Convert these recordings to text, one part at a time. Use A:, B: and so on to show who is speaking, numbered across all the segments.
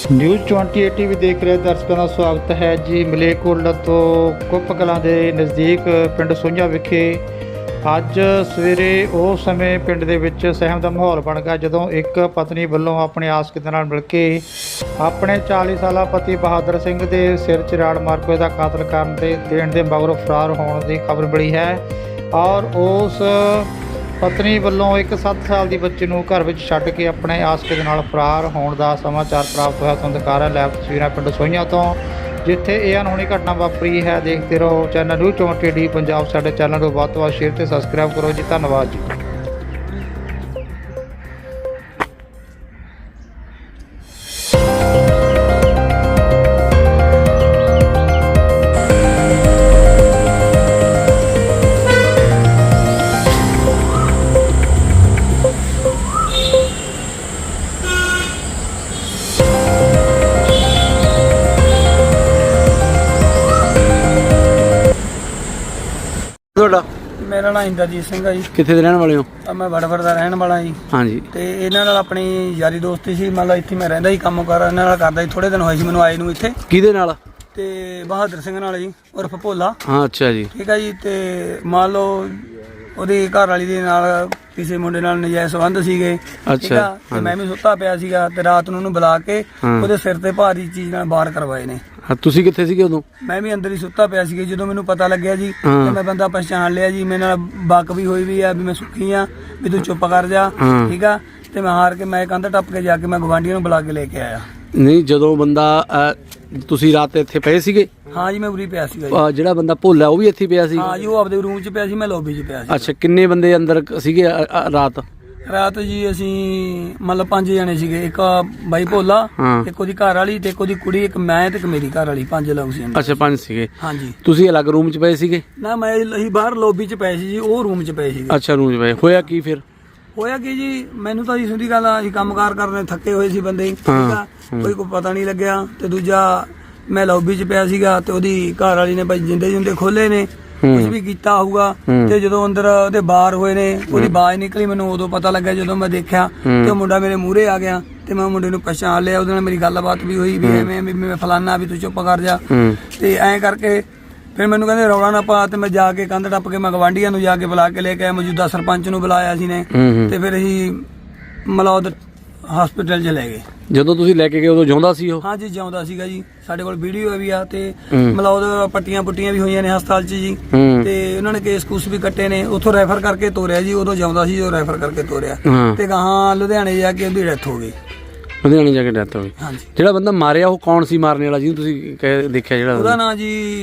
A: News 28 TV ਦੇਖ ਰਹੇ ਦਰਸ਼ਕਾਂ ਦਾ ਸਵਾਗਤ ਹੈ ਜੀ। ਮਲੇਰਕੋਟਲਾ ਤੋਂ ਕੁੱਪ ਕਲਾਂ ਦੇ ਨਜ਼ਦੀਕ ਪਿੰਡ ਸੋਈਆਂ ਵਿਖੇ ਅੱਜ ਸਵੇਰੇ ਉਸ ਸਮੇਂ ਪਿੰਡ ਦੇ ਵਿੱਚ ਸਹਿਮ ਦਾ ਮਾਹੌਲ ਬਣ ਗਿਆ ਜਦੋਂ ਇੱਕ ਪਤਨੀ ਵੱਲੋਂ ਆਪਣੇ ਆਸ਼ਕ ਦੇ ਨਾਲ ਮਿਲ ਕੇ ਆਪਣੇ 40 ਸਾਲਾ ਪਤੀ ਬਹਾਦਰ ਸਿੰਘ ਦੇ ਸਿਰ 'ਚ ਰਾੜ ਮਾਰ ਕੇ ਉਹਦਾ ਕਾਤਲ ਕਰਨ ਦੇ ਦੇਣ ਦੇ ਮਗਰੋਂ ਫਰਾਰ ਹੋਣ ਦੀ ਖਬਰ ਮਿਲੀ ਹੈ ਔਰ ਉਸ ਪਤਨੀ ਵੱਲੋਂ ਇੱਕ 7 ਸਾਲ ਦੀ ਬੱਚੀ ਨੂੰ ਘਰ ਵਿੱਚ ਛੱਡ ਕੇ ਆਪਣੇ ਆਸ਼ਕ ਦੇ ਨਾਲ ਫਰਾਰ ਹੋਣ ਦਾ ਸਮਾਚਾਰ ਪ੍ਰਾਪਤ ਹੋਇਆ। ਤੁਹਾਨੂੰ ਦਿਖਾ ਰਿਹਾ ਲਾਈਵ ਤਸਵੀਰਾਂ ਪਿੰਡ ਸੋਈਆਂ ਤੋਂ ਜਿੱਥੇ ਇਹ ਅਨਹੋਣੀ ਘਟਨਾ ਵਾਪਰੀ ਹੈ। ਦੇਖਦੇ ਰਹੋ ਚੈਨਲ ਨਿਊਜ਼ 28 ਟੀਵੀ ਪੰਜਾਬ। ਸਾਡੇ ਚੈਨਲ ਨੂੰ ਵੱਧ ਤੋਂ ਵੱਧ ਸ਼ੇਅਰ ਤੇ ਸਬਸਕ੍ਰਾਈਬ ਕਰੋ ਜੀ। ਧੰਨਵਾਦ ਜੀ।
B: ਤੁਹਾਡਾ?
C: ਮੇਰਾ ਨਾਮ ਇੰਦਰਜੀਤ ਸਿੰਘ ਹੈ ਜੀ।
B: ਕਿੱਥੇ ਦੇ ਰਹਿਣ ਵਾਲੇ ਹੋ?
C: ਮੈਂ ਵੜਵੜ ਦਾ ਰਹਿਣ ਵਾਲਾ ਜੀ।
B: ਹਾਂਜੀ।
C: ਤੇ ਇਹਨਾਂ ਨਾਲ ਆਪਣੀ ਯਾਰੀ ਦੋਸਤੀ ਸੀ। ਮੰਨ ਲਓ ਇੱਥੇ ਮੈਂ ਰਹਿੰਦਾ ਸੀ, ਕੰਮ ਕਾਰ ਇਹਨਾਂ ਨਾਲ ਕਰਦਾ ਸੀ। ਥੋੜੇ ਦਿਨ ਹੋਏ ਸੀ ਮੈਨੂੰ ਆਏ ਨੂੰ ਇੱਥੇ।
B: ਕਿਹਦੇ ਨਾਲ?
C: ਤੇ ਬਹਾਦਰ ਸਿੰਘ ਨਾਲ ਜੀ, ਉਰਫ ਭੋਲਾ।
B: ਹਾਂ, ਅੱਛਾ ਜੀ।
C: ਠੀਕ ਹੈ ਜੀ। ਤੇ ਮੰਨ ਲਓ ਉਹਦੀ ਘਰ ਵਾਲੀ ਦੇ ਨਾਲ ਕਿਸੇ ਮੁੰਡੇ ਨਾਲ ਨਜਾਇਜ਼ ਸੰਬੰਧ ਸੀਗੇ।
B: ਅੱਛਾ।
C: ਤੇ ਮੈਂ ਵੀ ਸੁੱਤਾ ਪਿਆ ਸੀਗਾ ਤੇ ਰਾਤ ਨੂੰ ਉਹਨੂੰ ਬੁਲਾ ਕੇ ਉਹਦੇ ਸਿਰ ਤੇ ਭਾਰੀ ਚੀਜ਼ ਨਾਲ ਵਾਰ ਕਰਵਾਏ ਨੇ।
B: ਤੁਸੀਂ ਕਿੱਥੇ ਸੀਗੇ ਉਦੋਂ? ਮੈਂ
C: ਵੀ ਅੰਦਰ ਹੀ ਸੁੱਤਾ ਪਿਆ ਸੀਗਾ। ਜਦੋਂ ਮੈਨੂੰ ਪਤਾ ਲੱਗਿਆ ਜੀ ਤੇ ਮੈਂ ਬੰਦਾ ਪਛਾਣ ਲਿਆ ਜੀ। ਮੇਰੇ ਨਾਲ ਬਕ ਵੀ ਹੋਈ ਵੀ ਆ ਵੀ ਮੈਂ ਸੁੱਖੀ ਆ ਵੀ ਤੂੰ ਚੁੱਪ ਕਰ ਜਾ। ਠੀਕ ਆ। ਤੇ ਮੈਂ ਹਾਰ ਕੇ ਮੈਂ ਕੰਧ ਟੱਪ ਕੇ ਜਾ ਕੇ ਮੈਂ ਗਵਾਂਢੀਆਂ ਨੂੰ ਬੁਲਾ ਕੇ ਲੈ ਕੇ ਆਇਆ।
B: ਨਹੀਂ, ਜਦੋਂ ਬੰਦਾ ਤੁਸੀਂ ਰਾਤ ਇੱਥੇ ਪਏ ਸੀਗੇ?
C: ਹਾਂ ਜੀ, ਮੈਂ ਉਰੀ ਪਿਆ ਸੀਗਾ ਜੀ।
B: ਜਿਹੜਾ ਬੰਦਾ ਭੋਲਾ ਉਹ ਵੀ ਇੱਥੇ ਪਿਆ ਸੀ?
C: ਹਾਂ ਜੀ, ਉਹ ਆਪਦੇ ਰੂਮ 'ਚ ਪਿਆ ਸੀ, ਮੈਂ ਲੌਬੀ 'ਚ ਪਿਆ ਸੀ।
B: ਅੱਛਾ, ਕਿੰਨੇ ਬੰਦੇ ਅੰਦਰ ਸੀਗੇ ਰਾਤ?
C: ਰਾਤ ਜੀ ਅਸੀਂ ਮਤਲਬ 5 ਜਣੇ ਸੀਗੇ। ਇੱਕ ਬਾਈ ਭੋਲਾ, ਇੱਕ ਉਹਦੀ ਘਰ ਵਾਲੀ ਤੇ ਇੱਕ ਉਹਦੀ ਕੁੜੀ, ਇੱਕ ਮੈਂ ਤੇ ਇੱਕ ਮੇਰੀ ਘਰ ਵਾਲੀ। 5 ਲੋਕ ਸੀ।
B: ਅੱਛਾ, 5 ਸੀਗੇ।
C: ਹਾਂਜੀ।
B: ਤੁਸੀਂ ਅਲੱਗ ਰੂਮ 'ਚ ਪਏ ਸੀਗੇ?
C: ਨਾ, ਮੈਂ ਅਸੀਂ ਬਾਹਰ ਲੌਬੀ 'ਚ ਪਏ ਸੀ ਜੀ, ਉਹ ਰੂਮ 'ਚ ਪਏ ਸੀਗੇ।
B: ਅੱਛਾ, ਰੂਮ 'ਚ ਪਏ। ਹੋਇਆ ਕੀ ਫਿਰ?
C: ਹੋਇਆ ਕੀ ਜੀ, ਮੈਨੂੰ ਤਾਂ ਜੀ ਸਿੱਧੀ ਗੱਲ ਆ, ਅਸੀਂ ਕੰਮਕਾਰ ਕਰਨੇ ਥੱਕੇ ਹੋਏ ਸੀ ਬੰਦੇ। ਠੀਕ ਆ। ਕੋਈ ਪਤਾ ਨਹੀਂ ਲੱਗਿਆ। ਤੇ ਦੂਜਾ ਮੈਂ ਲੌਬੀ 'ਚ ਪਿਆ ਸੀਗਾ ਤੇ ਉਹਦੀ ਘਰ ਵਾਲੀ ਨੇ ਭਾਈ ਜਿੰਦੇ ਖੋਲੇ ਨੇ, ਕੁਝ ਵੀ ਕੀਤਾ ਹੋਊਗਾ। ਤੇ ਜਦੋਂ ਅੰਦਰ ਉਹਦੇ ਬਾਹਰ ਹੋਏ ਨੇ, ਉਹਦੀ ਆਵਾਜ਼ ਨਿਕਲੀ, ਮੈਨੂੰ ਉਦੋਂ ਪਤਾ ਲੱਗਾ ਜਦੋਂ ਮੈਂ ਦੇਖਿਆ ਤੇ ਉਹ ਮੁੰਡਾ ਮੇਰੇ ਮੂਹਰੇ ਆ ਗਿਆ ਤੇ ਮੈਂ ਮੁੰਡੇ ਨੂੰ ਪਛਾਣ ਲਿਆ। ਉਹਦੇ ਨਾਲ ਮੇਰੀ ਗੱਲਬਾਤ ਵੀ ਹੋਈ ਵੀ ਐਵੇਂ ਵੀ ਮੈਂ ਫਲਾਨਾ ਵੀ ਤੂੰ ਚੁੱਪ ਕਰ ਜਾ। ਤੇ ਐਂ ਕਰਕੇ ਫਿਰ ਮੈਨੂੰ ਕਹਿੰਦੇ ਰੌਲਾ ਨਾ ਪਾ। ਤੇ ਮੈਂ ਜਾ ਕੇ ਕੰਧ ਟੱਪ ਕੇ ਮੈਂ ਗਵਾਂਢੀਆਂ ਨੂੰ ਜਾ ਕੇ ਬੁਲਾ ਕੇ ਲੈ ਕੇ ਆਇਆ। ਮੌਜੂਦਾ ਸਰਪੰਚ ਨੂੰ ਬੁਲਾਇਆ ਸੀ ਨੇ ਤੇ ਫਿਰ ਅਸੀਂ ਮਲੌਦ ਹਸਪੀਟਲ 'ਚ ਲੈ ਗਏ।
B: ਜਦੋਂ ਤੁਸੀਂ ਲੈ ਕੇ ਗਏ ਉਦੋਂ ਜਿਉਂਦਾ ਸੀ ਉਹ?
C: ਹਾਂਜੀ, ਜਿਉਂਦਾ ਸੀਗਾ ਜੀ। ਸਾਡੇ ਕੋਲ ਵੀਡੀਓ ਵੀ ਆ ਤੇ ਮਲੌਦ ਪੱਟੀਆਂ ਪੁੱਟੀਆਂ ਵੀ ਹੋਈਆਂ ਨੇ ਹਸਪਤਾਲ 'ਚ ਜੀ। ਤੇ ਉਹਨਾਂ ਨੇ ਕੇਸ ਕੂਸ ਵੀ ਕੱਟੇ ਨੇ। ਉੱਥੋਂ ਰੈਫਰ ਕਰਕੇ ਤੋਰਿਆ ਜੀ। ਉਦੋਂ ਜਿਉਂਦਾ ਸੀ, ਜੋ ਰੈਫਰ ਕਰਕੇ ਤੋਰਿਆ। ਤੇ ਗਾਹਾਂ ਲੁਧਿਆਣੇ ਜਾ ਕੇ ਉਹਦੀ ਡੈਥ ਹੋ ਗਈ।
B: ਲੁਧਿਆਣੇ ਜਾ ਕੇ ਡੈਥ ਹੋ ਗਈ।
C: ਹਾਂਜੀ।
B: ਜਿਹੜਾ ਬੰਦਾ ਮਾਰਿਆ ਉਹ ਕੌਣ ਸੀ ਮਾਰਨ ਵਾਲਾ ਜਿਹਨੂੰ ਤੁਸੀਂ ਦੇਖਿਆ? ਜਿਹੜਾ
C: ਉਹਦਾ ਨਾਂ ਜੀ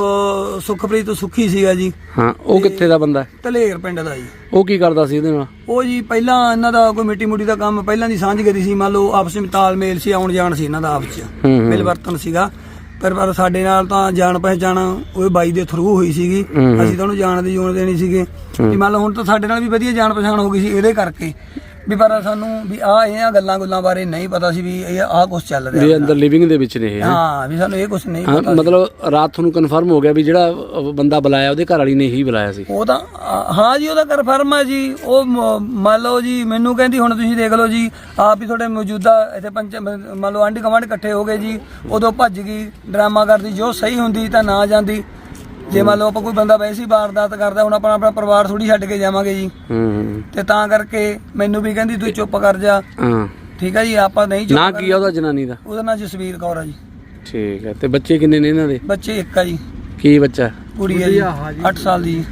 C: ਸੁਖਪ੍ਰੀਤ ਸੁੱਖੀ ਸੀਗਾ ਜੀ।
B: ਹਾਂ, ਉਹ ਕਿੱਥੇ ਦਾ ਬੰਦਾ?
C: ਧਲੇਰ ਪਿੰਡ ਦਾ ਜੀ। ਉਹ
B: ਕੀ ਕਰਦਾ ਸੀ ਇਹਦੇ ਨਾਲ?
C: ਉਹ ਜੀ ਪਹਿਲਾਂ ਇਹਨਾਂ ਦਾ ਕੋਈ ਮਿੱਟੀ ਮੁੱਟੀ ਦਾ ਕੰਮ ਪਹਿਲਾਂ ਦੀ ਸਾਂਝਗਰੀ ਸੀ। ਮੰਨ ਲਓ ਆਪਸ ਵਿੱਚ ਤਾਲਮੇਲ ਸੀ, ਆਉਣ ਜਾਣ ਸੀ ਇਹਨਾਂ ਦਾ ਆਪਸ 'ਚ ਮਿਲਵਰਤਨ ਸੀਗਾ। ਪਰ ਸਾਡੇ ਨਾਲ ਤਾਂ ਜਾਣ ਪਹਿਚਾਣ ਉਹ ਬਾਈ ਦੇ ਥਰੂ ਹੋਈ ਸੀਗੀ। ਅਸੀਂ ਤਾਂ ਉਹਨੂੰ ਜਾਣ ਦੀ ਜੋਨ ਦੇਣੀ ਸੀਗੇ ਵੀ ਮੰਨ ਲਓ ਹੁਣ ਤਾਂ ਸਾਡੇ ਨਾਲ ਵੀ ਵਧੀਆ ਜਾਣ ਪਛਾਣ ਹੋ ਗਈ ਸੀ ਇਹਦੇ ਕਰਕੇ ਵੀ। ਪਰ ਸਾਨੂੰ ਵੀ ਇਹ ਗੱਲਾਂ ਬਾਰੇ ਨਹੀਂ ਪਤਾ ਸੀ ਵੀ ਇਹ ਕੁਛ ਚੱਲ ਰਿਹਾ ਵੀ
B: ਅੰਦਰ ਲਿਵਿੰਗ ਦੇ ਵਿੱਚ ਨੇ।
C: ਹਾਂ, ਵੀ ਸਾਨੂੰ ਇਹ ਕੁਛ ਨਹੀਂ ਪਤਾ।
B: ਮਤਲਬ ਰਾਤ ਤੁਹਾਨੂੰ ਕਨਫਰਮ ਹੋ ਗਿਆ ਵੀ ਜਿਹੜਾ ਬੰਦਾ ਬੁਲਾਇਆ ਉਹਦੇ ਘਰ ਵਾਲੀ ਨੇ ਹੀ ਬੁਲਾਇਆ ਸੀ?
C: ਉਹ ਤਾਂ ਹਾਂ ਜੀ, ਉਹਦਾ ਕਨਫਰਮ ਹੈ ਜੀ। ਉਹ ਮੰਨ ਲਓ ਜੀ ਮੈਨੂੰ ਕਹਿੰਦੀ ਹੁਣ ਤੁਸੀਂ ਦੇਖ ਲਓ ਜੀ ਆਪ ਹੀ ਤੁਹਾਡੇ ਮੌਜੂਦਾ ਇੱਥੇ ਮੰਨ ਲਓ ਆਂਢੀ ਗੁਆਂਢ ਇਕੱਠੇ ਹੋ ਗਏ ਜੀ। ਉਦੋਂ ਭੱਜ ਗਈ, ਡਰਾਮਾ ਕਰਦੀ। ਜੋ ਸਹੀ ਹੁੰਦੀ ਤਾਂ ਨਾ ਜਾਂਦੀ। ਜੇ ਮੰਨ ਲਓ ਆਪਾਂ ਕੋਈ ਬੰਦਾ ਵੈਸੇ ਹੀ ਵਾਰਦਾਤ ਕਰਦਾ, ਹੁਣ ਆਪਣਾ ਪਰਿਵਾਰ ਥੋੜੀ ਛੱਡ ਕੇ ਜਾਵਾਂਗੇ ਜੀ। ਤੇ ਤਾਂ ਕਰਕੇ ਮੈਨੂੰ ਵੀ ਕਹਿੰਦੀ ਤੂੰ ਚੁੱਪ ਕਰ ਜਾ। ਠੀਕ ਹੈ ਜੀ। ਆਪਾਂ ਨਹੀਂ ਚੁੱਪ।
B: ਨਾ ਕੀ ਆ ਉਹਦਾ ਜਨਾਨੀ ਦਾ?
C: ਉਹਦਾ ਨਾਂ ਜਸਵੀਰ ਕੌਰ ਆ ਜੀ।
B: ਠੀਕ ਹੈ। ਤੇ ਬੱਚੇ ਕਿੰਨੇ ਨੇ ਇਹਨਾਂ ਦੇ?
C: ਬੱਚੇ ਇੱਕ ਆ ਜੀ।
B: ਕੀ ਬੱਚਾ? ਕੁੜੀ
C: ਹੈ ਜੀ, 8 ਸਾਲ ਦੀ।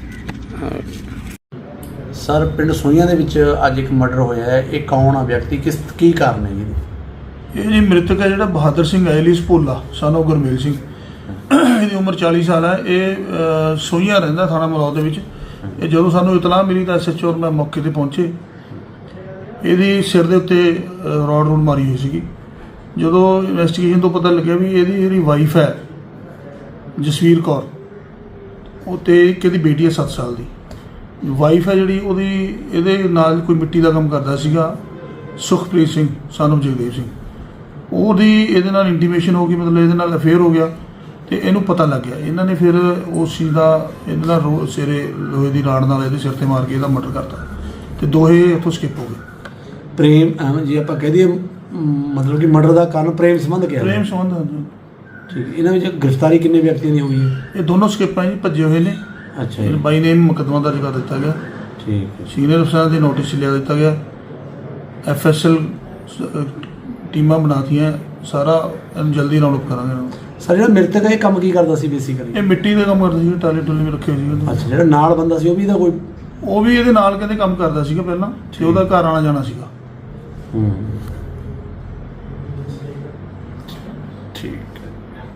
B: ਸਰ, ਪਿੰਡ ਸੋਈਆਂ ਦੇ ਵਿੱਚ ਅੱਜ ਇੱਕ ਮਰਡਰ ਹੋਇਆ ਹੈ। ਇਹ ਕੌਣ ਆ ਵਿਅਕਤੀ? ਕੀ ਕਾਰਨ ਹੈ ਜੀ?
D: ਇਹ ਜੀ ਮ੍ਰਿਤਕ ਹੈ ਜਿਹੜਾ ਬਹਾਦਰ ਸਿੰਘ ਐਲੀਸ ਭੋਲਾ son of ਗੁਰਮੇਲ ਸਿੰਘ। ਇਹਦੀ ਉਮਰ 40 ਸਾਲ ਹੈ। ਇਹ ਸੋਈਆਂ ਰਹਿੰਦਾ, ਥਾਣਾ ਮਲੌਦ ਦੇ ਵਿੱਚ। ਇਹ ਜਦੋਂ ਸਾਨੂੰ ਇਤਲਾਹ ਮਿਲੀ ਤਾਂ SHO ਔਰ ਮੈਂ ਮੌਕੇ 'ਤੇ ਪਹੁੰਚੇ। ਇਹਦੀ ਸਿਰ ਦੇ ਉੱਤੇ ਰੋਡ ਮਾਰੀ ਹੋਈ ਸੀਗੀ। ਜਦੋਂ ਇਨਵੈਸਟੀਗੇਸ਼ਨ ਤੋਂ ਪਤਾ ਲੱਗਿਆ ਵੀ ਇਹਦੀ ਵਾਈਫ ਹੈ ਜਸਵੀਰ ਕੌਰ, ਉਹ ਤੇ ਇੱਕ ਇਹਦੀ ਬੇਟੀ ਹੈ 7 ਸਾਲ ਦੀ। ਵਾਈਫ ਹੈ ਜਿਹੜੀ ਉਹਦੀ ਇਹਦੇ ਨਾਲ ਕੋਈ ਮਿੱਟੀ ਦਾ ਕੰਮ ਕਰਦਾ ਸੀਗਾ, ਸੁਖਪ੍ਰੀਤ ਸਿੰਘ son of ਜਗਦੇਵ ਸਿੰਘ। ਉਹਦੀ ਇਹਦੇ ਨਾਲ ਇੰਟੀਮੇਸ਼ਨ ਹੋ ਗਈ, ਮਤਲਬ ਇਹਦੇ ਨਾਲ ਅਫੇਅਰ ਹੋ ਗਿਆ ਤੇ ਇਹਨੂੰ ਪਤਾ ਲੱਗ ਗਿਆ। ਇਹਨਾਂ ਨੇ ਫਿਰ ਉਸ ਚੀਜ਼ ਦਾ ਇਹਦੇ ਨਾਲ ਸਿਰੇ ਲੋਹੇ ਦੀ ਰਾੜ ਨਾਲ ਇਹਦੇ ਸਿਰ ਤੇ ਮਾਰ ਕੇ ਇਹਦਾ ਮਰਡਰ ਕਰਤਾ ਤੇ ਦੋਹੇ ਉੱਥੋਂ ਸਕਿਪ ਹੋ ਗਏ।
B: ਪ੍ਰੇਮ ਜੇ ਆਪਾਂ ਕਹਿ ਦਈਏ ਮਤਲਬ ਕਿ ਮਰਡਰ ਦਾ ਕਾਰਨ ਪ੍ਰੇਮ ਸੰਬੰਧ ਕਿਹਾ
D: ਪ੍ਰੇਮ ਸੰਬੰਧ ਹਾਂਜੀ।
B: ਠੀਕ, ਇਹਨਾਂ ਵਿੱਚ ਗ੍ਰਿਫਤਾਰੀ ਕਿੰਨੇ ਵਿਅਕਤੀਆਂ ਦੀ ਹੋਈ ਹੈ?
D: ਇਹ ਦੋਨੋਂ ਸਕੇਪਾਂ ਜੀ ਭੱਜੇ ਹੋਏ ਨੇ।
B: ਅੱਛਾ
D: ਇਹ
B: ਜੀ,
D: ਬਾਈ ਨੇ ਮੁਕੱਦਮਾ ਦਰਜ ਕਰ ਦਿੱਤਾ ਗਿਆ।
B: ਠੀਕ ਹੈ।
D: ਸੀਨੀਅਰ ਅਫਸਰਾਂ ਦੇ ਨੋਟਿਸ ਲਿਆ ਦਿੱਤਾ ਗਿਆ। FSL ਟੀਮਾਂ ਬਣਾਤੀਆਂ, ਸਾਰਾ ਇਹਨੂੰ ਜਲਦੀ ਰਾਉਂਡ ਅਪ ਕਰਾਂਗੇ ਇਹਨਾਂ ਨੂੰ।
B: ਸਰ ਜਿਹੜਾ ਮ੍ਰਿਤਕ ਹੈ ਇਹ ਕੰਮ ਕੀ ਕਰਦਾ ਸੀ ਬੇਸਿਕਲੀ?
D: ਇਹ ਮਿੱਟੀ ਦਾ ਕੰਮ ਕਰਦਾ ਸੀ, ਟਾਲੇ ਟੁੱਲੇ ਵੀ ਰੱਖੇ ਹੋਏ ਸੀ ਉਹਦੇ।
B: ਅੱਛਾ, ਜਿਹੜਾ ਨਾਲ ਬੰਦਾ ਸੀ ਉਹ ਵੀ ਇਹਦਾ ਕੋਈ?
D: ਉਹ ਵੀ ਇਹਦੇ ਨਾਲ ਕਹਿੰਦੇ ਕੰਮ ਕਰਦਾ ਸੀਗਾ ਪਹਿਲਾਂ, ਤੇ ਉਹਦਾ ਘਰ ਆਣਾ ਜਾਣਾ ਸੀਗਾ।